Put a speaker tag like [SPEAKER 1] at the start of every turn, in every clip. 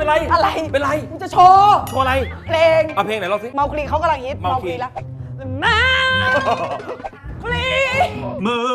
[SPEAKER 1] ไร
[SPEAKER 2] อะไร
[SPEAKER 1] เป็นไร
[SPEAKER 2] มึงจะโชว์
[SPEAKER 1] โชว์อะไร
[SPEAKER 2] เพลง
[SPEAKER 1] เอาเพลงไหนลองสิ
[SPEAKER 2] เมาคลีเขากำลังฮิต
[SPEAKER 1] เมาคลี
[SPEAKER 2] แล้วมาคลี
[SPEAKER 3] มือ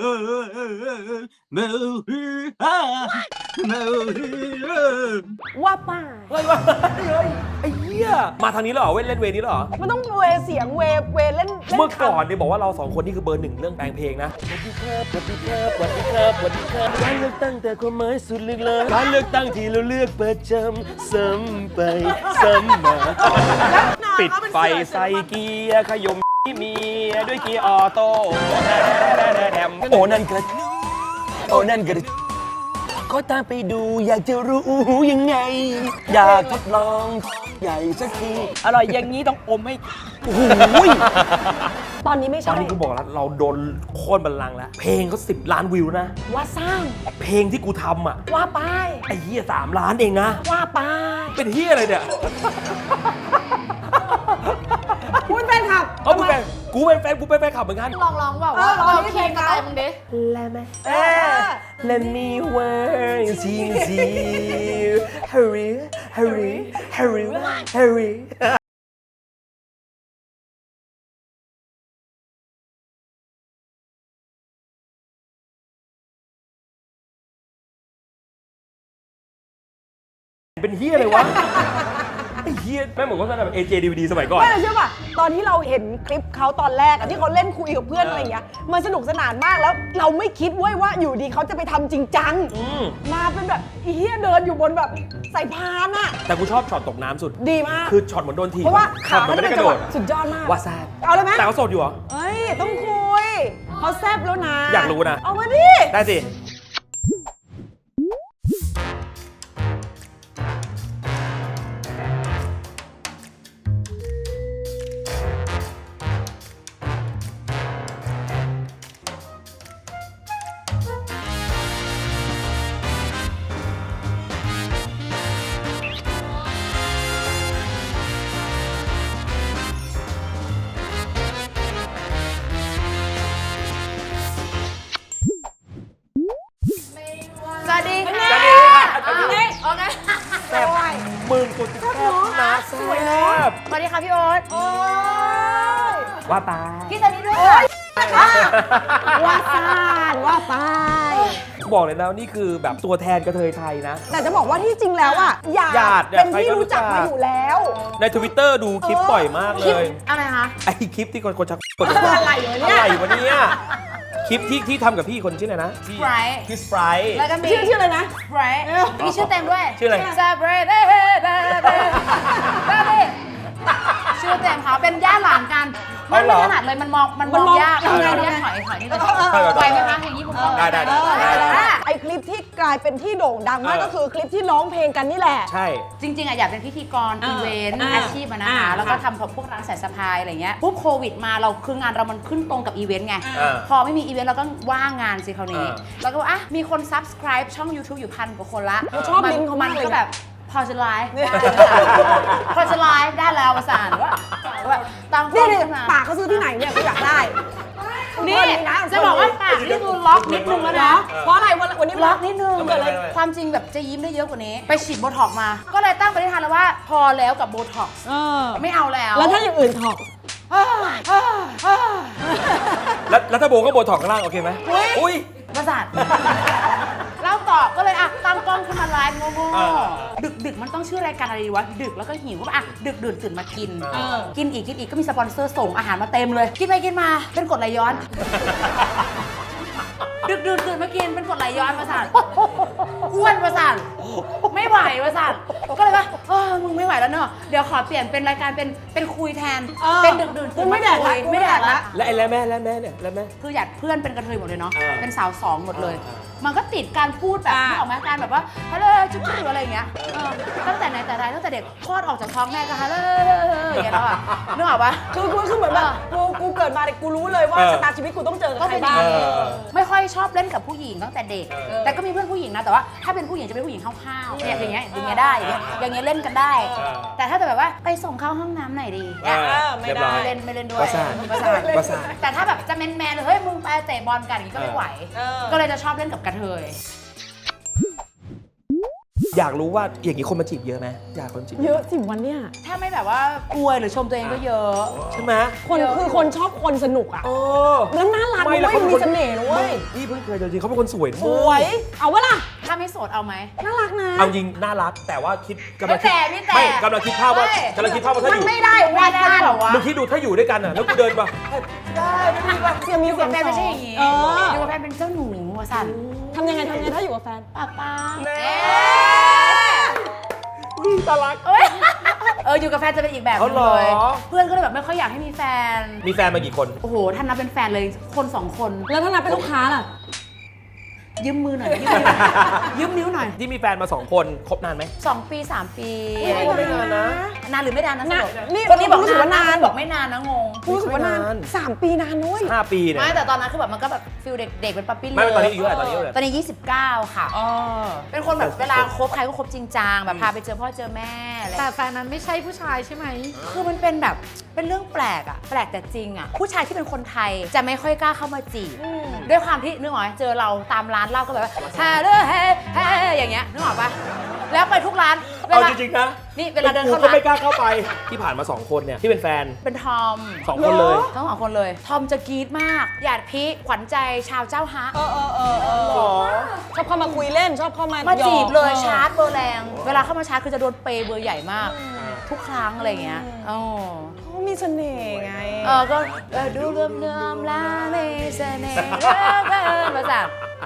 [SPEAKER 3] มือมือ
[SPEAKER 2] ว่าป้า
[SPEAKER 1] เฮ้ยไอ้เหี้ยมาทางนี้แล้วเหรอเล่นเวนี้แล้วเหรอ
[SPEAKER 2] มันต้องเวเสียงเวเล่น
[SPEAKER 1] เมื่อก่อนเนี่ยบอกว่าเราสองคนนี่คือเบอร์หนึ่งเรื่องแปลงเพลงนะสวัสดีครับสวัสดีครับสวัสดีครับสวัสดีครับการเลือกตั้งแต่ความหมายสุดลึกเลยการเลือกตั้งที่เราเลือกประจำซ้ำไปซ้ำมาปิดไฟใส่เกียร์ขยมเมียด้วยเกียร์ออโต้โอ้นั่นกระโอ้นั่นกระก็ตามไปดูอยากจะรู้ยังไง อยากทดลองใหญ่สักทีอร่อยอย่างนี้ต้องอมให้โอ้โห
[SPEAKER 2] ตอนนี้ไม่
[SPEAKER 1] ตอ
[SPEAKER 2] ใช่
[SPEAKER 1] นนี้กูบอกแล้วเราโดนโค่นบัลลังก์แล้ว เพลงเขา10 ล้านวิวนะ
[SPEAKER 2] ว่าสร้าง
[SPEAKER 1] เพลงที่กูทำอ่ะ
[SPEAKER 2] ว่าป้าย
[SPEAKER 1] ไอ้เหี้ย3 ล้านเองนะ
[SPEAKER 2] ว่าป้าย
[SPEAKER 1] เป็นเหี้ยอะไรเนี่ย
[SPEAKER 2] คุณแฟนคลับ
[SPEAKER 1] เอากูเป็นแฟนขับเหมือนกัน
[SPEAKER 4] ลองแบบว่าลองเพลงอะไรมึงดิ
[SPEAKER 1] Let me Let me want you Hurry Hurry Hurry Hurry เป็นเฮียอะไรวะ ไอ้เฮียแม่งเหมือนว่าแบบ AJ DVD สมัยก่อน
[SPEAKER 2] ไม่เชื่อป่ะตอนที่เราเห็นคลิปเขาตอนแรกอะที่เขาเล่นคุยกับเพื่อนอะไรอย่างเงี้ยมันสนุกสนานมากแล้วเราไม่คิดเว้ยว่าอยู่ดีเขาจะไปทำจริงจังมาเป็นแบบอีเหี้ยเดินอยู่บนแบบสายพานอะ
[SPEAKER 1] แต่กูชอบช็อตตกน้ำสุด
[SPEAKER 2] ดีมาก
[SPEAKER 1] คือช็อตเหมือนโดนทีบ
[SPEAKER 2] เพราะว่า
[SPEAKER 1] ขับ
[SPEAKER 2] ขา
[SPEAKER 1] มัน
[SPEAKER 2] เขา
[SPEAKER 1] ไม่
[SPEAKER 2] จะ
[SPEAKER 1] ได้
[SPEAKER 2] เป็น
[SPEAKER 1] กระ
[SPEAKER 2] จังห
[SPEAKER 1] โด
[SPEAKER 2] วะ
[SPEAKER 1] ด
[SPEAKER 2] สุดยอดมาก
[SPEAKER 1] ว่าแซบ
[SPEAKER 2] เอาเลยไหม
[SPEAKER 1] แต่เขาโสดอยู่เหรอ
[SPEAKER 2] เอ้ยต้องคุยเขาแซบแล้วนะ
[SPEAKER 1] อยากรู้นะ
[SPEAKER 2] เอามาดิ
[SPEAKER 1] ได้สิ
[SPEAKER 4] สวัสดีค่ะ
[SPEAKER 1] สวัสดีค่ะ
[SPEAKER 4] โอเค
[SPEAKER 1] แซ่บมึงกูจะแซ่บนะแซ่บ
[SPEAKER 4] สวัสดีค่ะพี่โอ๊ต
[SPEAKER 2] โอ้ย
[SPEAKER 1] ว่าตา
[SPEAKER 4] พี่ซันนี่ด้วยค่ะ
[SPEAKER 2] ว่าซานว่าไป
[SPEAKER 1] บอกเลยนะนี่คือแบบตัวแทนกระเทยไทยนะ
[SPEAKER 2] แต่จะบอกว่าที่จริงแล้วอะหยา
[SPEAKER 1] หยาด
[SPEAKER 2] ด
[SPEAKER 1] เนี่ย
[SPEAKER 2] เป็นที่
[SPEAKER 1] ใครก็รู้
[SPEAKER 2] รู้จัก
[SPEAKER 1] จัก
[SPEAKER 2] มาอยู่แล้ว
[SPEAKER 1] ใน Twitter ดูคลิปบ่อยมากเลย
[SPEAKER 4] อะไรคะ
[SPEAKER 1] ไอ้คลิปที่คนชักกด
[SPEAKER 2] อะไรวะเนี่ย
[SPEAKER 1] อะไรวะเนี่ยคลิปที่ทำกับพี่คนชื่ออะไรนะ
[SPEAKER 4] Sprite
[SPEAKER 1] พี่สไปร์
[SPEAKER 4] แล้วก็มี
[SPEAKER 2] ชื่ออะไรนะ
[SPEAKER 4] Sprite มีชื่อเต็มด้วย
[SPEAKER 1] ชื่ออะไร
[SPEAKER 4] Sprite ชื่อเต็มเขาเป็นญาติหลานกันไม่ถนัดเลยมันมองยากถอยนิดนึงไหวไหมคะอย่างนี้ผม
[SPEAKER 1] ได้
[SPEAKER 2] ไอคลิปที่กลายเป็นที่โด่งดังมากก็คือคลิปที่ร้องเพลงกันนี่แหละ
[SPEAKER 1] ใช่
[SPEAKER 4] จริงๆอะอยากเป็นพิธีกรอีเวนต์อาชีพอะนะคะแล้วก็ทำพวกร้านสายสะพายอะไรเงี้ยปุ๊บโควิดมาเราคืองานเรามันขึ้นตรงกับอีเวนต์ไงพอไม่มีอีเวนต์เราก็ว่างงานสิคราวนี้แล้วก็มีคน subscribe ช่อง YouTube อยู่1,000 กว่าคนละ
[SPEAKER 2] ชอบลิงก์เขามากเลย
[SPEAKER 4] ก็แบบพอจะไลฟ์พอจะไลฟ์ได้แล้วประสานว่าตั้งกล้
[SPEAKER 2] นี่
[SPEAKER 4] อง
[SPEAKER 2] ดิ
[SPEAKER 4] ขึ้นมา
[SPEAKER 2] ปากเขาซื้อที่ไหนเนี่ยกูอยากได้
[SPEAKER 4] นี่จะบอกว่าปากนี่คือล็อกนิดนึงแล้วนะ
[SPEAKER 2] เพราะอะไรวันนี้
[SPEAKER 4] ล็อกนิดนึง
[SPEAKER 1] ทำไม
[SPEAKER 4] ความจริงแบบจะยิ้มได้เยอะกว่านี้ ไปฉีดโบท็อกมา ก็เลยตั้งปณิธานแล้วว่าพอแล้วกับโบท็อกไม่เอาแล้ว
[SPEAKER 2] แล้วถ้าอย่างอื่นถอก
[SPEAKER 1] แล้วถ้าโบก็โบถอกข้างล่างโอเคไหมอุ้ย
[SPEAKER 4] ประสาทแล้วตอบก็เลยตั้งกล้องขึ้นมาไลฟ์โง่ๆดึกมันต้องชื่อรายการอะไรดีวะดึกแล้วก็หิวก็ดึกดื่นตื่นมากินกินอีกก็มีสปอนเซอร์ส่งอาหารมาเต็มเลยกินไปกินมาเป็นกรดไหลย้อน ดึกดื่นตื่นมากินเป็นกรดไหลย้อนประสาทอ้วนประสาทไม่ไหวประสาทก็เลยว่ามึงไม่ไหวแล้วเนอะเดี๋ยวขอเปลี่ยนเป็นรายการเป็นคุยแทนเป็นดึกดื่นตื่นมาคุยไม่แดกละ
[SPEAKER 1] และไอ้แล้วแม่เนี่ยแล้วแม่
[SPEAKER 4] คืออยากเพื่อนเป็นกระเทยหมดเลยเนาะ เป็นสาวสองหมดเลย
[SPEAKER 1] อ่า
[SPEAKER 4] มันก็ติดการพูดแบบนึกออกไหมการแบบว่าฮัลโหลจุ๊บหรืออะไรอย่างเงี้ยตั้งแต่ไหนแต่ไรตั้งแต่เด็กคลอดออกจากท้องแม่ก็ฮัลโหลอย่างเงี้ยแล้วอ่ะนึกออกปะ
[SPEAKER 2] คือเหมือนแบบกูเกิดมาเนี่ยกูรู้เลยว่าชะตาชีวิตกูต้องเจอกับใครบ้าง
[SPEAKER 4] ไม่ค่อยชอบเล่นกับผู้หญิงตั้งแต่เด็ก แต่ก็มีเพื่อนผู้หญิงนะ แต่ว่าถ้าเป็นผู้หญิงจะเป็นผู้หญิงห้าวๆเนี่ยอย่างเงี้ยได้อย่างเงี้ยเล่นกันได้ แต่ถ้าแบบว่าไปส่งเข้าห้องน้ำหน่อยดี
[SPEAKER 2] ไม่ได้
[SPEAKER 4] ไม่เล่นด้วย
[SPEAKER 1] ประสาท
[SPEAKER 4] ประสาทแต่ถ้าแบบจะแมนๆเลยเฮ้ยมึงไปเตะบอลกันอย่างนี้ก็ไม่ไหว ก็เลยจะชอบเล่นกับกระเทย
[SPEAKER 1] ดอยากรู้ว่าอย่างนี้คนมาจีบเยอะไหมอยากคนจีบ
[SPEAKER 2] เยอะสิวันเนี้ย
[SPEAKER 4] ถ้าไม่แบบว่าอวยหรือชมตัวเองก็เยอะ
[SPEAKER 1] ใช่ไหม
[SPEAKER 2] คนคือคนชอบคนสนุกอ่ะ
[SPEAKER 1] เออ
[SPEAKER 2] แล้วน่ารัก
[SPEAKER 1] ไม่
[SPEAKER 2] ด้
[SPEAKER 1] แล้ว
[SPEAKER 2] วย
[SPEAKER 1] เขาเป็น
[SPEAKER 2] มี
[SPEAKER 1] คน
[SPEAKER 2] เสน่ห์นะเว้ย
[SPEAKER 1] พี่เพิ่งเคยเจอจริงเขาเป็นคนสวย
[SPEAKER 2] สวย เอาวะล่ะ
[SPEAKER 4] ถ้าไม่โสดเอาไหม
[SPEAKER 2] น่ารักนะ
[SPEAKER 1] เอาจริงน่ารักแต่ว่าคิดกำลังคิด
[SPEAKER 4] ไม่แต่
[SPEAKER 1] ไม่กำลังคิดภาพว่า
[SPEAKER 4] ไม่
[SPEAKER 1] กำลังคิดภาพว่าถ้า
[SPEAKER 2] มั
[SPEAKER 1] อน ยู่
[SPEAKER 2] ไม่ได้
[SPEAKER 4] ไม่
[SPEAKER 2] ว่า
[SPEAKER 4] ได้
[SPEAKER 2] กัน
[SPEAKER 4] หรอวะ
[SPEAKER 1] มึงคิดดูถ้าอยู่ด้วยกันอ่ะแล้วกูเดินมา
[SPEAKER 2] เสียงมี
[SPEAKER 4] อยู่
[SPEAKER 2] เสี
[SPEAKER 4] กั
[SPEAKER 2] ย
[SPEAKER 4] บ
[SPEAKER 2] ง
[SPEAKER 4] แฟนไม่ใช่อย่างงี้
[SPEAKER 2] เออ
[SPEAKER 4] อยู่กับแฟนเป็นเจ้าหนูวะสัน
[SPEAKER 2] ทำยังไงถ้าอยู่กับแฟน
[SPEAKER 4] ปากป้า
[SPEAKER 1] น่ารัก
[SPEAKER 4] อยู่กับแฟนจะเป็นอีกแบบหนึง
[SPEAKER 1] เอาเหรอ
[SPEAKER 4] เลยเพื่อนก็เลยแบบไม่ค่อยอยากให้มีแฟน
[SPEAKER 1] มีแฟนมากี่คน
[SPEAKER 4] โอ้โหท่านนับเป็นแฟนเลยคนสองคน
[SPEAKER 2] แล้วถ้านับเป็นลูกค้าล่ะ
[SPEAKER 4] ยืมมือหน่อยยืมนิ้วหน่อย
[SPEAKER 1] ที่มีแฟนมา2คนคบนานไหม
[SPEAKER 4] 2 ปี 3 ปี
[SPEAKER 1] ไม่นานนะ
[SPEAKER 4] นานหรือไม่นานนะสรุป
[SPEAKER 2] นี่
[SPEAKER 4] คนนี้บอก
[SPEAKER 2] รู้สึกว่านาน
[SPEAKER 4] บอกไม่นานนะงง
[SPEAKER 2] รู้สึกว่านาน 3 ปีนานนุ้ย
[SPEAKER 1] 5 ปีเนี่ย
[SPEAKER 4] ไม่แต่ตอนนั้นคือแบบมันก็แบบฟิลเด็กๆเป็นปั๊ปปี้
[SPEAKER 1] ไม่ตอนนี้อายุเท่าไหร่ตอนนี้อายุเท่าไหร่
[SPEAKER 4] ตอนนี้ 29 ค่ะ เป็นคนแบบเวลาคบใครก็คบจริงจังแบบพาไปเจอพ่อเจอแม่อะไร
[SPEAKER 5] แต่แฟนนั้นไม่ใช่ผู้ชายใช่ไหม
[SPEAKER 4] คือมันเป็นแบบเป็นเรื่องแปลกอะแปลกแต่จริงอะผู้ชายที่เป็นคนไทยจะไม่ค่อยกล้าเข้ามาจีบด้วยความที่นึกออกไหมเจอเราตามร้านเหล้าก็แบบว่าฮาเด้อเฮ้เฮ้อย่างเงี้ยนึกออกปะแล้วไปทุกร้านเว
[SPEAKER 1] เอา
[SPEAKER 4] ลา
[SPEAKER 1] จริงๆนะ
[SPEAKER 4] นี่เวลาเดินเข้า
[SPEAKER 1] กูก็
[SPEAKER 4] ร้าน
[SPEAKER 1] ไม่กล้าเข้าไปที่ผ่านมา2คนเนี่ยที่เป็นแฟน
[SPEAKER 4] เป็นทอม
[SPEAKER 1] 2 คนเลย
[SPEAKER 4] ทั้งสองคนเลย ทอมจะกรี๊ดมาก หยาดพิขวัญใจชาวเจ้าฮะ
[SPEAKER 2] ชอบเข้ามาคุยเล่นชอบเข้ามา
[SPEAKER 4] มา
[SPEAKER 2] หยอก
[SPEAKER 4] จีบเลยชาร์จเบอร์แรง เวลาเข้ามาชาร์จคือจะโดนเปย์เบอร์ใหญ่มาก ทุกครั้งอะไรอย่างเงี้ยอ๋อ
[SPEAKER 2] เขามีเสน่ห์ไง
[SPEAKER 4] ก็ดูเริ่มๆแล้วมีเสน่ห์เริ่มมาจาก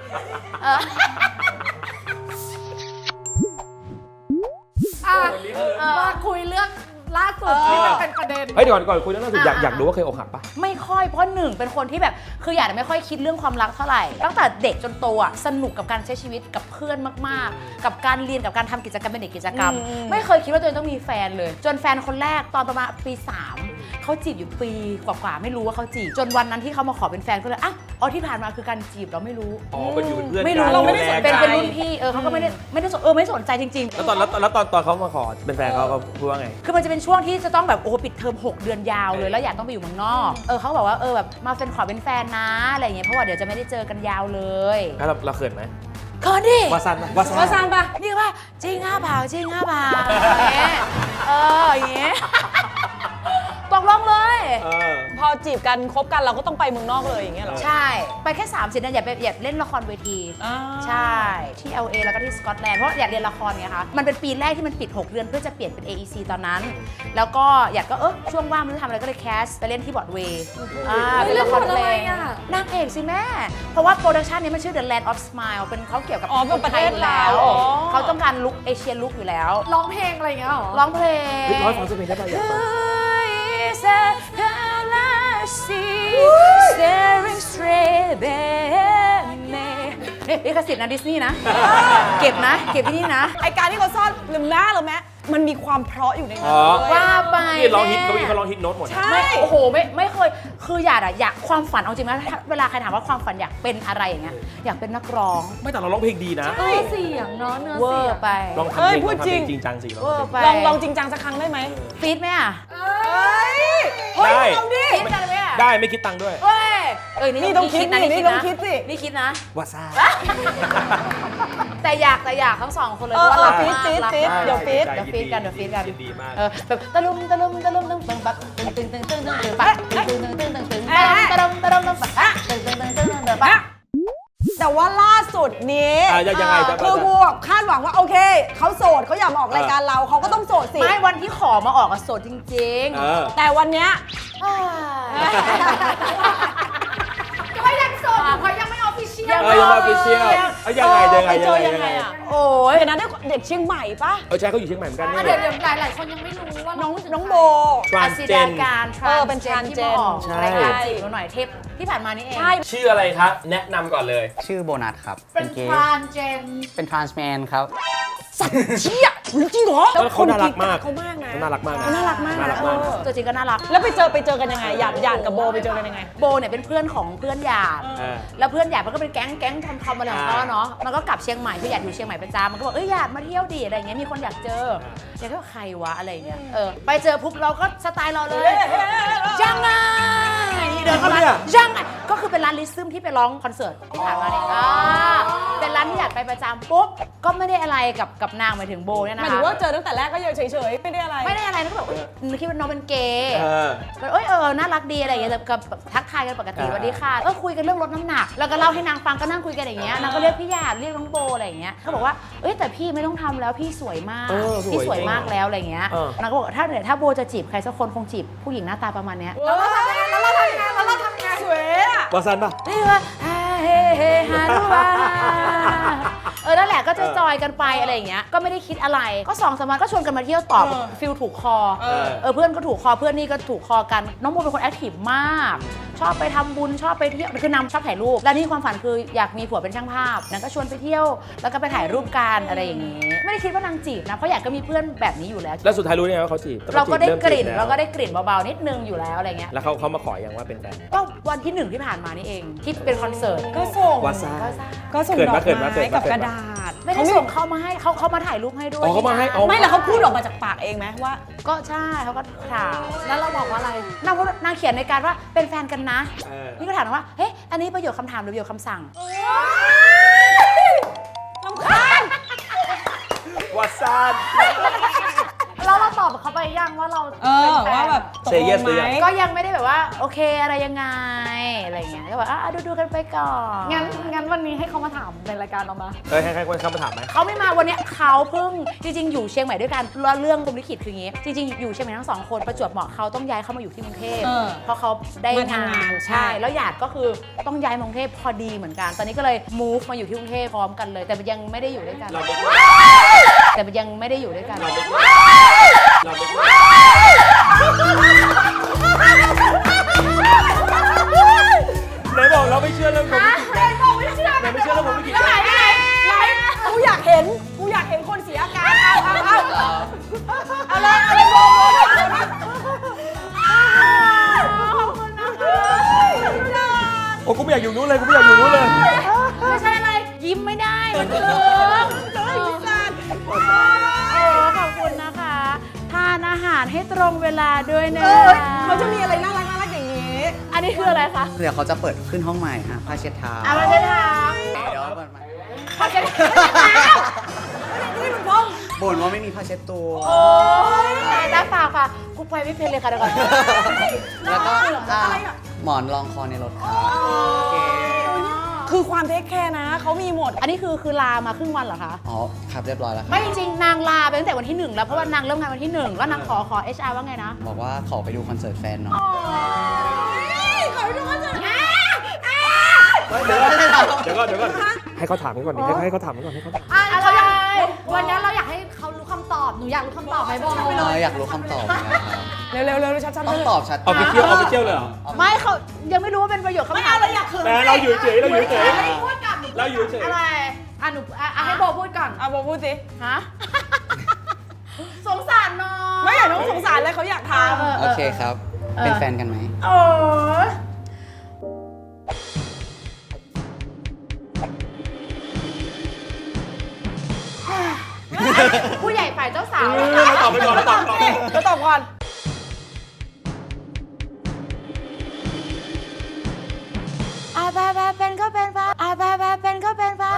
[SPEAKER 5] มาคุยเรื่องล่าสุดที่มันเป็นประเด็น
[SPEAKER 1] เฮ้ยเดี๋ยวก่อนคุยเรื่องล่าสุดอยากรู้ว่าเคยอกหักปะ
[SPEAKER 4] ไม่ค่อยเพราะหนึ่งเป็นคนที่แบบคืออยากจะไม่ค่อยคิดเรื่องความรักเท่าไหร่ ตั้งแต่เด็กจนโตอ่ะสนุกกับการใช้ชีวิตกับเพื่อนมากๆ กับการเรียนกับการทำกิจกรรมเป็นเด็กกิจกรรม ไม่เคยคิดว่าตัวเองต้องมีแฟนเลย จนแฟนคนแรกตอนประมาณปี 3เขาจีบอยู่ปีกว่าๆไม่รู้ว่าเขาจีบจนวันนั้นที่เขามาขอเป็นแฟนก็เลยอ่ะอ๋อที่ผ่านมาคือการจีบเราไม่รู้
[SPEAKER 1] อ๋อเป็นอยู่เป็นเพื่อน
[SPEAKER 4] ไม่รู้
[SPEAKER 1] กัน
[SPEAKER 4] เราไม่ได้สน
[SPEAKER 1] ดูแล
[SPEAKER 4] เป็น
[SPEAKER 1] กั
[SPEAKER 4] รุ่นพี่เขาก็ไม่ได้สนไม่สนใจจริงๆ
[SPEAKER 1] แล้วตอนเขามาขอเป็นแฟนเขาพูดว่าไง
[SPEAKER 4] คือมันจะเป็นช่วงที่จะต้องแบบโอ้ปิดเทอม6 เดือนยาวเลยแล้วอยากต้องไปอยู่เมืองนอกเขาบอกว่าแบบมาเป็นขอเป็นแฟนนะอะไรอย่างเงี้ยเพราะว่าเดี๋ยวจะไม่ได้เจอกันยาวเลย
[SPEAKER 1] แล้วเราเขินไหม
[SPEAKER 4] เขินดิ
[SPEAKER 1] วาซันปะ
[SPEAKER 2] ว่าซานปะ
[SPEAKER 4] นี่ว่าจริง5 บาทจริง5 บาทอย่างเงี้ยตกลงเลย
[SPEAKER 2] พอจีบกันคบกันเราก็ต้องไปเมืองนอกเลยอย่างเงี้ยเหรอ
[SPEAKER 4] ใช่ไปแค่30เดือนอย่าเล่นละครเวที ใช่ที่ LA แล้วก็ที่สกอตแลนด์เพราะอยากเรียนละครไงคะมันเป็นปีแรกที่มันปิด6 เดือนเพื่อจะเปลี่ยนเป็น AEC ตอนนั้น แล้วก็อยากก็ช่วงว่างไม่รู้ทำอะไรก็เลยแคสไปเล่นที่บอร์ดเวย์เป็นละครเพลงนางเอกสิแม่เพราะว่าโปรดักชันนี้มันชื่อ The Land of Smile เป็นเขาเกี่ยวกับ
[SPEAKER 2] เป็นประเทศ
[SPEAKER 4] อยู่แล้วเขาต้องการลุคเอเชียลุคอยู่แล้ว
[SPEAKER 5] ร้องเพลงอะไรอย่างเงี้ยเหรอ
[SPEAKER 4] ร้องเพลง
[SPEAKER 1] ร้อยฟังสักเพลงได้ป่ะอยากฟัง
[SPEAKER 4] Staring straight at me นี่กสิทธิ์นะดิสนีย์นะ เก็บที่นี่นะ
[SPEAKER 2] ไอการที่เขาซ่อนลืมหน้าหรือแม้มันมีความเพราะอยู่ในนั้น
[SPEAKER 4] ว่าไป
[SPEAKER 1] นี่ร้องฮิตเขาร้องฮิตโน้ตหมด
[SPEAKER 2] ใช่
[SPEAKER 4] โอ้โหไม่เคยคืออยากความฝันเอาจริงนะเวลาใครถามว่าความฝันอยากเป็นอะไรอย่างเงี้ยอยากเป็นนักร้อง
[SPEAKER 1] ไม่แต่เราร้องเพลงดีนะ
[SPEAKER 5] เสียงเนาะเนื้อ
[SPEAKER 4] เวอ
[SPEAKER 5] เสียง
[SPEAKER 4] ร์ไป
[SPEAKER 1] ลองทำเพลงลองทำเพลงจริงจังสิ
[SPEAKER 4] เวอร์ไป
[SPEAKER 2] ลองจริงจังสักครั้งได้ไหม
[SPEAKER 4] ฟีดไหมอ่ะ
[SPEAKER 1] ได้
[SPEAKER 2] ลองดิ
[SPEAKER 4] ฟีดกันไหมอ่ะ
[SPEAKER 1] ได้ไม่คิดตังค์ด้วย
[SPEAKER 4] เว้ย
[SPEAKER 2] นี่ต้องคิด
[SPEAKER 4] นะ
[SPEAKER 2] นี่ต้องคิดสิ
[SPEAKER 4] นี่คิดนะ
[SPEAKER 1] วาซ่า
[SPEAKER 4] แต่อยากทั้งสองคนเลย
[SPEAKER 2] ฟีดเดี๋ยวฟีด
[SPEAKER 4] เดี๋ยวฟีดกัน
[SPEAKER 1] ยินดีมาก
[SPEAKER 4] แบบตะลุมตึงปักตึงปักตึงตะลุมปักตึงปัก
[SPEAKER 2] แต่ว่าล่าสุดนี้
[SPEAKER 1] ยังไง
[SPEAKER 2] คือกูแบบคาดหวังว่าโอเคเขาโสดเขาอยากมาออกรายการเราเขาก็ต้องโสดสิ
[SPEAKER 4] ไม่วันที่ขอมาออกอะโสดจริง
[SPEAKER 2] แต่วันเนี้ย
[SPEAKER 5] ก็ยังโสดอยู่เพราะยังไม่ออฟฟิเชียล
[SPEAKER 1] ยังมาพิเชียลยังไง
[SPEAKER 2] เจอยังไงอ่ะ
[SPEAKER 4] โอ้ย
[SPEAKER 2] เดี๋ยวนั้นได้เด็กเชียงใหม่ปะ
[SPEAKER 1] ใช่เขาอยู่เชียงใหม่เหมือนกัน
[SPEAKER 5] เดี๋ยวหลายคนยังไม่รู้ว่า
[SPEAKER 2] น้องโบ
[SPEAKER 4] อาศิดาการ
[SPEAKER 2] เป็น transgen
[SPEAKER 4] รายการจีบหน่อยเทปที่ผ่านมานี่เอง
[SPEAKER 2] ใช่
[SPEAKER 1] ชื่ออะไรครับแนะนำก่อนเลย
[SPEAKER 6] ชื่อโบนัสครับ
[SPEAKER 5] เป็น
[SPEAKER 6] เกย์
[SPEAKER 5] ทรานเจน
[SPEAKER 6] เป็นทรานส์แมนครับ
[SPEAKER 2] เชี่ยจริงเหรอ
[SPEAKER 1] แล้วเขาน่ารักมาก
[SPEAKER 2] เขามากนะ
[SPEAKER 1] น่ารักมากนะ
[SPEAKER 2] น่ารักมาก
[SPEAKER 1] น่ารักมาก
[SPEAKER 4] ตัวจริงก็น่ารัก
[SPEAKER 2] แล้วไปเจอกันยังไงหยาดกับโบไปเจอกันยังไง
[SPEAKER 4] โบเนี่ยเป็นเพื่อนของเพื่อนหยาดแล้วเพื่อนหยาดมันก็เป็นแก๊งทอมอะไรของเขาเนาะมันก็กลับเชียงใหม่ที่หยาดอยู่เชียงใหม่ประจำมันก็บอกหยาดมาเที่ยวดิอะไรอย่างเงี้ยมีคนอยากเจออยากก็ใครวะอะไรอย่างเงี้ยไปเจอปุ๊บเราก็สไตล์เราเลยยังไงเดินเข้ามายังไงก็คือเป็นร้านลิซึมที่ไปร้องคอนเสิร์ตที่ผ่านมาเนี่ยเป็นร้านที่อยากไปประจำปุ๊บก็ไม่ได้อะไรกับนางหมายถึงโบเนี่ย
[SPEAKER 2] ห
[SPEAKER 4] นะ
[SPEAKER 2] มาย
[SPEAKER 4] คะ
[SPEAKER 2] ถึงว่าเจอตั้งแต่แรกก็ยังเฉยๆไม่ได้อะไร
[SPEAKER 4] ไม่ได้อะไรนะก็แบบคิดว่าน้องเป็นเกย์ ก็น่ารักดีอะไรอย่างเงี้ยกับทักทายกันปกติสวัสดีค่ะคุยกันเรื่องลดน้ำหนักแล้วก็เล่าให้นางฟังก็นั่งคุยกันอย่างเงี้ยนางก็เรียกพี่หยาดเรียกน้องโบอะไรอย่างเงี้ยเขาบอกว่าแต่พี่ไม่ต้องทำแล้วพี่สวยมากพี่สวยมากแล้วอะไรเงี้ยนางก็บอกถ้าโบจะจีบใครสักคนคงจีบผู้หญิงหน้าตาประมาณเนี้ย
[SPEAKER 2] แล้วเราทำไงสวยอะ
[SPEAKER 1] วาซันป่ะ
[SPEAKER 4] นี่ว่าเฮ้เฮฮารุวานั่นแหละก็จะจอยกันไปอะไรอย่างเงี้ยก็ไม่ได้คิดอะไรก็2-3 วันก็ชวนกันมาเที่ยวต่อฟิลถูกคอเพื่อนก็ถูกคอเพื่อนนี่ก็ถูกคอกันน้องโบเป็นคนแอคทีฟมากชอบไปทำบุญชอบไปเที่ยวคือนำชอบถ่ายรูปและนี่ความฝันคืออยากมีผัวเป็นช่างภาพนางก็ชวนไปเที่ยวแล้วก็ไปถ่ายรูปกันอะไรอย่างงี้ไม่ได้คิดว่านางจีบนะเพราะอยากก็มีเพื่อนแบบนี้อยู่แล้ว
[SPEAKER 1] แล้วสุดท้ายรู้ได้ไงว่าเขาจีบ
[SPEAKER 4] เราก็ได้กลิ่นเบาๆนิดนึงอยู่แล้วอะไรเงี้ย
[SPEAKER 1] แล้วเขามาขออย่างว่าเป็นแฟน
[SPEAKER 4] ก็วันที่1ที่ผ่านมานี่เองที่เป็นคอนเสิร์ต
[SPEAKER 2] ก็ส่ง
[SPEAKER 1] วาซัน
[SPEAKER 2] ก็ส่ง
[SPEAKER 1] เขิน
[SPEAKER 2] ด
[SPEAKER 1] มา
[SPEAKER 2] อก
[SPEAKER 1] เขินมา
[SPEAKER 2] ไม้กับกระดาษ
[SPEAKER 4] ไม่ได้ส่งเขามาให้เขามาถ่ายรูปให้ด้วย
[SPEAKER 1] เขามาให้เอา
[SPEAKER 2] ไม่แล้วเขาพูดออกมาจากปากเองไหมว่า
[SPEAKER 4] ก็ใช่เขาก็ถาม
[SPEAKER 2] แล้วเราบอกว่าอะไร
[SPEAKER 4] นางเขียนในการว่าเป็นแฟนกันนะนี่ก็ถามว่าเฮ้ยอันนี้ประโยคคำถามหรือประโยคคำสั่ง
[SPEAKER 2] ลำคาญ
[SPEAKER 1] วาซัน
[SPEAKER 5] แล้วเราตอบเขาไปยังว่าเราเป็นแฟน
[SPEAKER 2] ว่าแบบตก
[SPEAKER 1] Say
[SPEAKER 2] ล
[SPEAKER 1] yes
[SPEAKER 2] ง
[SPEAKER 1] หรือ
[SPEAKER 2] ไห
[SPEAKER 1] ยั
[SPEAKER 2] ม
[SPEAKER 1] ง
[SPEAKER 4] ก็ยังไม่ได้แบบว่าโอเคอะไรยังไงอะไรเงี้ยก็แบบดูกันไปก่อน
[SPEAKER 5] งั้นวันนี้ให้เขามาถามในรายการเรามา
[SPEAKER 1] ให้คนเข้ามาถามไหม
[SPEAKER 4] เขาไม่มาวันเนี้ยเขาเพิ่งจริงๆอยู่เชียงใหม่ด้วยกันแล้วเรื่องพรหมลิขิตคืออย่างงี้จริงๆอยู่เชียงใหม่ทั้ง2 คนประจวบเหมาะเขาต้องย้ายเข้ามาอยู่ที่กรุงเทพเพราะเขาได้
[SPEAKER 2] มาทำงานใช่
[SPEAKER 4] ใช่แล้วหยาดก็คือต้องย้ายมากรุงเทพพอดีเหมือนกัน ตอนนี้ก็เลย move มาอยู่ที่กรุงเทพพร้อมกันเลย แต่ยังไม่ได้อยู่ด้วยกันแต่ยังไม่ได้อยู่ด้วยกัน
[SPEAKER 1] ไหนบอกเราไม่เชื่อเรื่องผม
[SPEAKER 2] ไหนบอกไม่เชื่อ
[SPEAKER 1] ไหนไม่เชื่อเรื่องผมไม่กี่
[SPEAKER 2] ไหนกูอยากเห็นคนเสียอาการเอาเลยโบ
[SPEAKER 1] โอ้กูไม่อยากอยู่นู้นเลยกูไม่อยากอยู่นู้นเลย
[SPEAKER 4] ไม่ใช่อะไรยิ้มไม่ได้มันเกินขอบคุณนะคะทานอาหารให้ตรงเวลาด้วยนะ
[SPEAKER 2] เขาจะมีอะไรน่ารักอย่างนี้
[SPEAKER 4] อันนี้คืออะไรคะ
[SPEAKER 6] เดี๋ยวเขาจะเปิดขึ้นห้องใหม่ฮะผ้าเช็ดเท้า
[SPEAKER 4] เราจะถาม
[SPEAKER 6] เดี๋ยวเปิดใหม่
[SPEAKER 4] เขาจะ
[SPEAKER 2] นี่มันพ้อง
[SPEAKER 6] บ่นว่าไม่มีผ้าเช็ดตัว
[SPEAKER 4] ตาฝากค่ะกูไปไม่เป็นเลยค่ะเดี๋ยวก่อน
[SPEAKER 6] แล้วก็หมอนรองคอในรถครับโอเค
[SPEAKER 2] คือความเทคแคร์นะเขามีหมด
[SPEAKER 4] อันนี้คือลามาครึ่งวันเหรอคะ
[SPEAKER 6] อ๋อครับเรียบร้อยแล้วครับ
[SPEAKER 4] ไม่จริงๆนางลาไปตั้งแต่วันที่ 1 แล้วเพราะว่านางเริ่มงานวันที่ 1 แล้วนางขอ HR ว่าไงนะ
[SPEAKER 6] บอกว่าขอไปดูคอนเสิร์ตแฟนหน่อย
[SPEAKER 2] ขอไปดูคอนเสิร์ต
[SPEAKER 1] เดี๋ยวก่อนให้เขาถามกันก่อนดิให้เขาถามกันก่อนให้เขาถาม
[SPEAKER 5] เราอยากวันนี้เราอยากให้เขารู้คำตอบ หนูอยากรู้คำตอบไหมโบ
[SPEAKER 6] อยากรู้คำตอบนะครับ
[SPEAKER 2] เร็วชัดๆ
[SPEAKER 6] ต้องตอบชัด
[SPEAKER 1] เอาไปเที่ยวเลยเหรอ
[SPEAKER 4] ไม่เขายังไม่รู้ว่าเป็นประโยคคำ
[SPEAKER 2] ไม่
[SPEAKER 4] ถา
[SPEAKER 2] เอา
[SPEAKER 4] ม
[SPEAKER 2] เราอยากเขิน
[SPEAKER 1] แต่เราอยู่เฉยเราอยู่เฉย
[SPEAKER 5] พูดกับหนู
[SPEAKER 1] เราอยู่เฉย
[SPEAKER 5] อะไรหนูให้โบพูดก่อน
[SPEAKER 2] เอาโบพูดสิ
[SPEAKER 4] ฮะ
[SPEAKER 5] สงสารน้อง
[SPEAKER 2] ไม่อยากน้องสงสารเลยเขาอยากท
[SPEAKER 6] โอเคครับ เป็นแฟนกันไหม
[SPEAKER 4] โอ้ผู้ใหญ่ฝ่ายเจ้าสาว
[SPEAKER 1] เราตอบไปก่อนเราตอบ
[SPEAKER 2] ำแล้วตอบก่อน
[SPEAKER 4] เป็นก็เป็นฟ้าเป็นก็เป็นฟ้า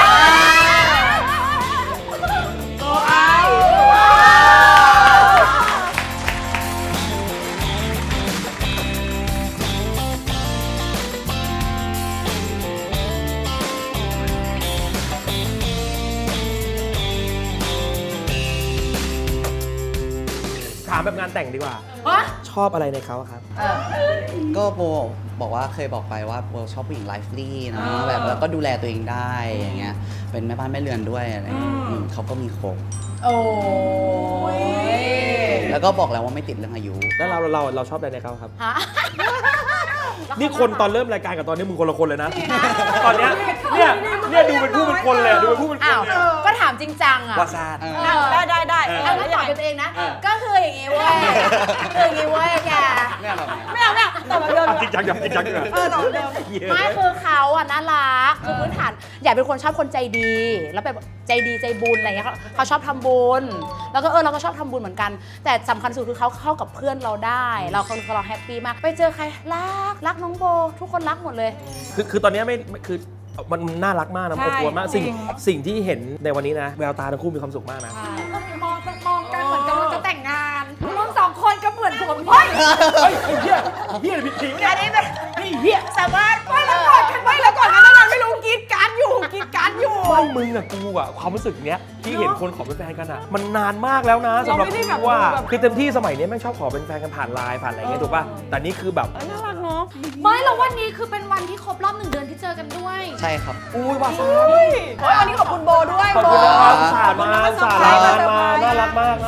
[SPEAKER 1] ถามแบบงานแต่งดีกว่า ชอบอะไรในเขาครับ
[SPEAKER 6] ก็โบบอกว่าเคยบอกไปว่าโบชอบผู้หญิงไลฟ์ลี่นะแบบแล้วก็ดูแลตัวเองได้อย่างเงี้ยเป็นแม่บ้านแม่เรือนด้วยอะไรเงี้ยเขาก็มีครบ
[SPEAKER 4] โอ้ย
[SPEAKER 6] แล้วก็บอกแล้วว่าไม่ติดเรื่องอายุ
[SPEAKER 1] แล้วเราชอบอะไรในเขาครับ
[SPEAKER 4] ฮะ
[SPEAKER 1] นี่คนตอนเริ่มรายการกับตอนนี้มึงคนละคนเลยนะ ตอนเนี้ยเนี่ยดูเป็นผู้เป็นคนเลยดูเป็นผู้เป็นค
[SPEAKER 4] อ้าน ว
[SPEAKER 1] เลย
[SPEAKER 4] ก็ถามจริงจังอ่ะ
[SPEAKER 1] วาซาด
[SPEAKER 2] ได้
[SPEAKER 4] เอาแล้วตอบเป็นตัวเองนะ ก็คืออย่างงี้เว้ยคืออย่างงี้เว้ยแก
[SPEAKER 6] ไม่เอาแบบนี้
[SPEAKER 2] ไม่เอาตอบแบบเดิม
[SPEAKER 1] จริงจังอย่างจริงจังเลย
[SPEAKER 2] ตอบแบบเดิม
[SPEAKER 4] ไม่คือเขาอ่ะน่ารักคือพื้นฐานอยากเป็นคนชอบคนใจดี แล้วแบบใจดีใจบุญอะไรเงี้ยเขาชอบทำบุญแล้วก็เราก็ชอบทำบุญเหมือนกัน แต่สำคัญสุดคือเขาเข้ากับเพื่อนเราได้เราแฮปปี้มากไปเจอใครรักน้องโบทุกคนรักหมดเลย
[SPEAKER 1] คือตอนนี้ไม่คือมันน่ารักมากนะอบอวลมากสิ่งที่เห็นในวันนี้นะแววตาทั้งคู่มีความสุขมากนะ
[SPEAKER 5] มองกันเหมือนกำลังจะแต่งงานรุ่นสองคนก็เหมือนผมเฮ้ย
[SPEAKER 1] ไอ้เหี้ยผิดผีเนี่ย
[SPEAKER 2] อันนี้แบบ
[SPEAKER 1] ไอ้เหี้ย
[SPEAKER 2] สามารถไม่แล้วก่อนนั้นไม่รู้กรีดการ์ดอยู่
[SPEAKER 1] ไม่มึงอะกูอะความรู้สึกเนี้ยที่เห็นคนขอเป็นแฟนกันอะมันนานมากแล้วนะสำหรับกูว่าคือเต็มที่สมัยนี้แม่งชอบขอเป็นแฟนกันผ่านไลน์ผ่านอะไรเงี้ยถูกป่ะแต่นี่คือแบบ
[SPEAKER 2] น่ารักเนาะ
[SPEAKER 5] ไม่แล้ววันนี้คือเป็นวันที่ครบรอบ1 เดือนที่เจอกันด้วย
[SPEAKER 6] ใช่ครับ
[SPEAKER 1] อุ้ยว่าซะ
[SPEAKER 2] วันนี้ขอบคุณโบด้วย
[SPEAKER 1] ขอบคุณนะครับ
[SPEAKER 2] โบ
[SPEAKER 1] สาดมาน่ารักมาก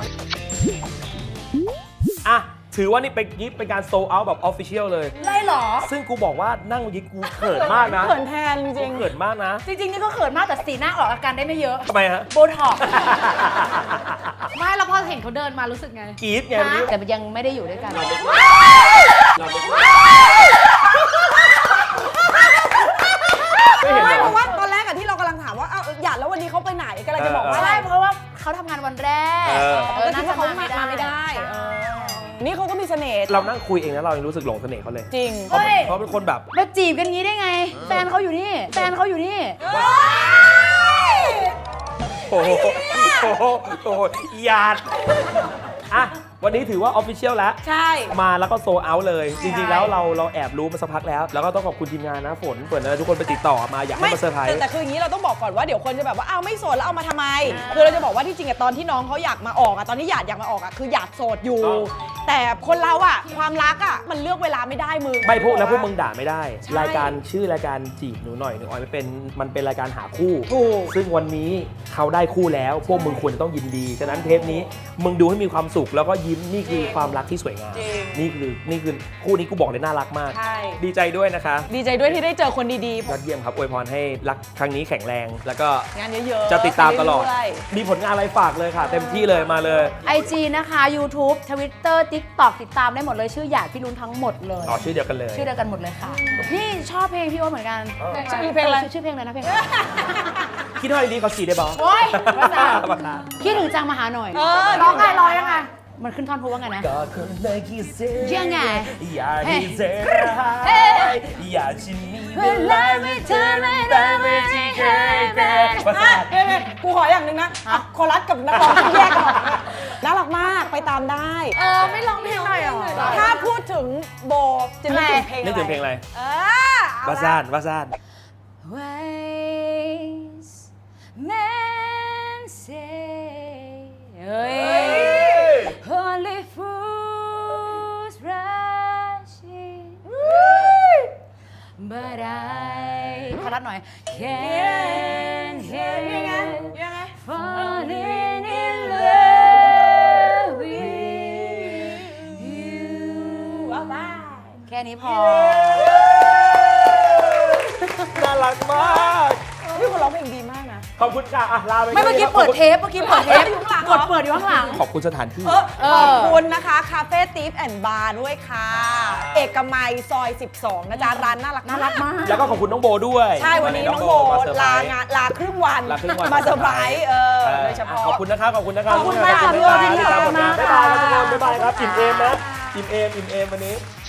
[SPEAKER 1] อ่ะถือว่านี่เป็นการโซลเอาท์แบบออฟฟิเชียลเลย
[SPEAKER 4] ได้หรอ
[SPEAKER 1] ซึ่งกูบอกว่านั่งยิกกูเขินมากนะ
[SPEAKER 2] เขินแทนจริง
[SPEAKER 1] เขินมากนะ
[SPEAKER 4] จริงๆนี่ก็เขินมากแต่สีหน้าออกอาการได้ไม่เยอะ
[SPEAKER 1] ทำไมฮะ
[SPEAKER 4] โบท็อกซ์
[SPEAKER 5] ไม่แล้วพอเห็นเขาเดินมารู้สึกไง
[SPEAKER 1] กรี๊ดไงวันนี้
[SPEAKER 4] แต่ยังไม่ได้อยู่ด้วยกัน
[SPEAKER 1] ไม่เห็น
[SPEAKER 2] ไม่
[SPEAKER 1] เหร
[SPEAKER 2] เพ
[SPEAKER 1] อ
[SPEAKER 2] ราะว่าตอนแรกอะที่เรากำลังถามว่าหยาดแล้ววันนี้เขาไปไหนกำลังจะบอกว่า
[SPEAKER 4] ใช่เพราะว่าเขาทำงานวันแรก
[SPEAKER 2] น่าจะเขามาไม่ได้นี่เขาก็มีเสน่ห์
[SPEAKER 1] เรานั่งคุยเองแล้วเรายังรู้สึกหลงเสน่ห์เขาเลย
[SPEAKER 2] จริง
[SPEAKER 1] เพราะเป็นคนแบบ
[SPEAKER 4] มาจีบกันงี้ได้ไง แฟนเขาอยู่นี่
[SPEAKER 1] โอ้โหหยาดอ่ะวันนี้ถือว่าออฟฟิเชียลแล้ว
[SPEAKER 2] ใช่
[SPEAKER 1] มาแล้วก็โซเอาเลย จริงๆแล้วเราแอบรู้มาสักพักแล้ว แล้วก็ต้องขอบคุณทีมงานนะฝนเปิดนะทุกคนไปติดต่อมาอยากให้มาเซอร์ไพรส์
[SPEAKER 2] แต่คืออย่างนี้เราต้องบอกก่อนว่าเดี๋ยวคนจะแบบว่าไม่โสดแล้วเอามาทำไมคือเราจะบอกว่าที่จริงอะตอนที่น้องเขาอยากมาออกอะตอนที่หยาดอยากมาออกอะคืออยากโสดอยู่ แต่คนเราอะความรักอะมันเลือกเวลาไม่ได้มึง
[SPEAKER 1] ไม่พวกแล้วพวกมึงด่าไม่ได้ รายการชื่อรายการจีบหนูหน่อยหนูออยมันเป็นรายการหาคู่
[SPEAKER 2] ถูก
[SPEAKER 1] ซึ่งวันนี้เขาได้คู่แล้ว พวกมึงควรจะต้องยินดี ฉะนั้นเทปนี้มึงดูให้มีความสุขแล้วก็ยิ้มนี่คือความรักที่สวยงาม นี่คือคู่นี้กูบอกเลยน่ารักมาก
[SPEAKER 2] ใช่
[SPEAKER 1] ดีใจด้วยนะคะ
[SPEAKER 2] ดีใจด้วยที่ได้เจอคนดี
[SPEAKER 1] ยอดเยี่ยมครับอวยพรให้รักครั้งนี้แข็งแรง แล้วก็
[SPEAKER 2] ๆงานเยอะๆ
[SPEAKER 1] จะติดตามตลอด
[SPEAKER 2] เรื่ย
[SPEAKER 1] มีผลงานอะไรฝากเลยค่ะ เต็มที่เลยมาเลย
[SPEAKER 4] IG นะคะ YouTube Twitter TikTok ติดตามได้หมดเลยชื่อหยาดพี่รุ้นทั้งหมดเลย
[SPEAKER 1] อ๋อชื่อเดียวกันเลย
[SPEAKER 4] ชื่อเดียวกันหมดเลยค่ะ นี่ชอบเพลงพี่โอ๊ตเหมือนกัน
[SPEAKER 2] ชื่อเพลงอะไร
[SPEAKER 4] ชื่อเพลงอะไรนะเพลงอะไร
[SPEAKER 1] คิดว่าดีเขาฉีดได้บอ
[SPEAKER 4] โอ๊ย
[SPEAKER 1] ภาษา
[SPEAKER 4] คิดถึงจังมาหาหน่อย
[SPEAKER 5] ร้องไงร้องยังไง
[SPEAKER 4] มันขึ้นท่อนพูดว่าไงนะ
[SPEAKER 1] ก็คนเลยคิดเสีย
[SPEAKER 4] ยังไง
[SPEAKER 1] อยากให้เจออยากจะมีเวลาไม่เธอไม่ได้ไม่ที่เคยเป็นภาษา
[SPEAKER 2] กูขออย่างหนึ่งนะคอรัสกับนักร้องต้องแยกกันออกนะน่ารักมากไปตามได้
[SPEAKER 5] ไม่ร้องเพลงหน่อยเหรอ
[SPEAKER 2] ถ้าพูดถึงโบจะนึกถึงเพลง
[SPEAKER 1] นึกถึงเพลงอะไร
[SPEAKER 2] เออ
[SPEAKER 1] วาซานวาซาน
[SPEAKER 4] Wise men say เฮ้ย Only fools rush in But I ขอรัดหน่อย Can't help falling in love with you แค่นี้พอ
[SPEAKER 1] น่ารักมาก
[SPEAKER 2] พี่คนร้องเพลงดีมากนะ
[SPEAKER 1] ขอบคุณค่ะอ่ะลาไป
[SPEAKER 4] ไม่เมื่อกี้
[SPEAKER 1] ครับ
[SPEAKER 4] เปิดเทปกดเปิดอยู่ข้างหลัง
[SPEAKER 1] ขอบคุณสถานที่
[SPEAKER 2] ขอบคุณนะคะคาเฟ่ทิฟแอนด์บาร์ด้วยค่ะ เอกมัยซอย 12 นะจ๊ะ ร้านน่ารัก
[SPEAKER 4] น่ารักมาก
[SPEAKER 1] แล้วก็ขอบคุณน้องโบด้วย
[SPEAKER 2] ใช่ วันนี้น้องโบ
[SPEAKER 1] มาเซอร์ไพร
[SPEAKER 2] ลา
[SPEAKER 1] ส์
[SPEAKER 2] งานลาครึ่งวัน
[SPEAKER 1] ลาครึ่งวัน
[SPEAKER 2] มาเซอร์ไพรส์โดยเฉพาะ
[SPEAKER 1] ขอบคุณนะครับ ขอบคุณนะครับ
[SPEAKER 2] ขอบคุณมากค่ะพี่
[SPEAKER 1] บ๊ายบาย
[SPEAKER 2] พี่
[SPEAKER 1] ติดตามผลงาน
[SPEAKER 2] ขอบคุณ
[SPEAKER 1] บ๊าย
[SPEAKER 2] มาก
[SPEAKER 1] บายครับทุกคนบ๊ายบายครับ
[SPEAKER 2] ค่ะ
[SPEAKER 1] อิ่มเอมนะอิ่มเอมวันนี้